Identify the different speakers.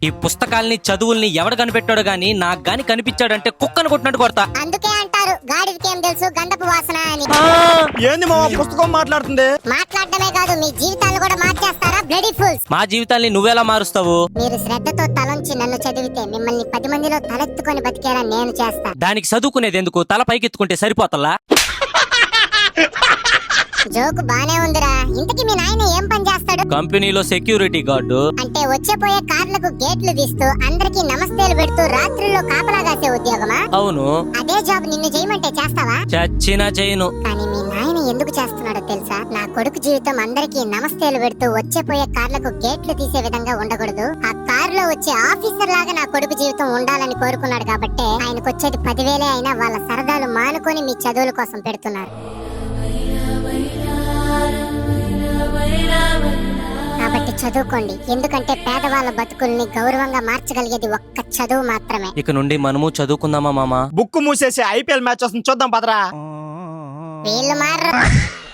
Speaker 1: ఈ పుస్తకాల్ని చదువుల్ని ఎవడు కనిపెట్టాడు గాని నాకు గాని కనిపించాడంటే కుక్కను కొట్టినట్టు కొడతా.
Speaker 2: అందుకే అంటారు గాడిదకి ఏం తెలుసు గంధపు వాసన అని.
Speaker 3: ఏంది మామ పుస్తకం మాట్లాడుతుంది?
Speaker 2: మాట్లాడటమే కాదు మీ జీవితాలు కూడా మార్చేస్తారా బ్లడీ ఫూల్స్.
Speaker 1: మా జీవితాల్ని నువ్వెలా మారుస్తావు?
Speaker 2: మీరు శ్రద్ధతో తలంచి నన్ను చదివితే మిమ్మల్ని 10 మందిలో తలెత్తుకొని బతికేలా నేను చేస్తా.
Speaker 1: దానికి చదువుకునేది ఎందుకు? తల పైకెత్తుకుంటే సరిపోతల్లా?
Speaker 2: జోకు బానే ఉందిరా. ఇంతకీ మీ నాయన ఏం పని చేస్తాడు?
Speaker 1: కంపెనీలో సెక్యూరిటీ గార్డు.
Speaker 2: అంటే వచ్చేపోయే కార్లకు గేట్లు తీస్తూ అందరికి నమస్తేలు పెడుతూ రాత్రుల్లో కాపలా కాసే ఉద్యోగమా?
Speaker 1: అవును.
Speaker 2: అదే జాబ్ నిన్ను చేయమంటే చేస్తావా?
Speaker 1: చచ్చినా చేయను.
Speaker 2: కానీ మీ నాయన ఎందుకు చేస్తున్నాడో తెలుసా? నా కొడుకు జీవితం అందరికి నమస్తేలు పెడుతూ వచ్చేపోయే కార్లకు గేట్లు తీసే విధంగా ఉండకూడదు. ఆ కారులో వచ్చే ఆఫీసర్ లాగా నా కొడుకు జీవితం ఉండాలని కోరుకున్నాడు కాబట్టే ఆయనకు వచ్చేది 10,000 అయినా వాళ్ళ సరదాలు మానుకొని మీ చదువుల కోసం పెడుతున్నారు. కాబట్టి చదువుకోండి. ఎందుకంటే పేదవాళ్ళ బతుకుల్ని గౌరవంగా మార్చగలిగేది ఒక్క చదువు మాత్రమే.
Speaker 1: ఇక నుండి మనము చదువుకుందామా మామా?
Speaker 3: బుక్ మూసేసి IPL మ్యాచ్ వస్తుంది చూద్దాం పదరా.
Speaker 2: వీళ్ళు మారు.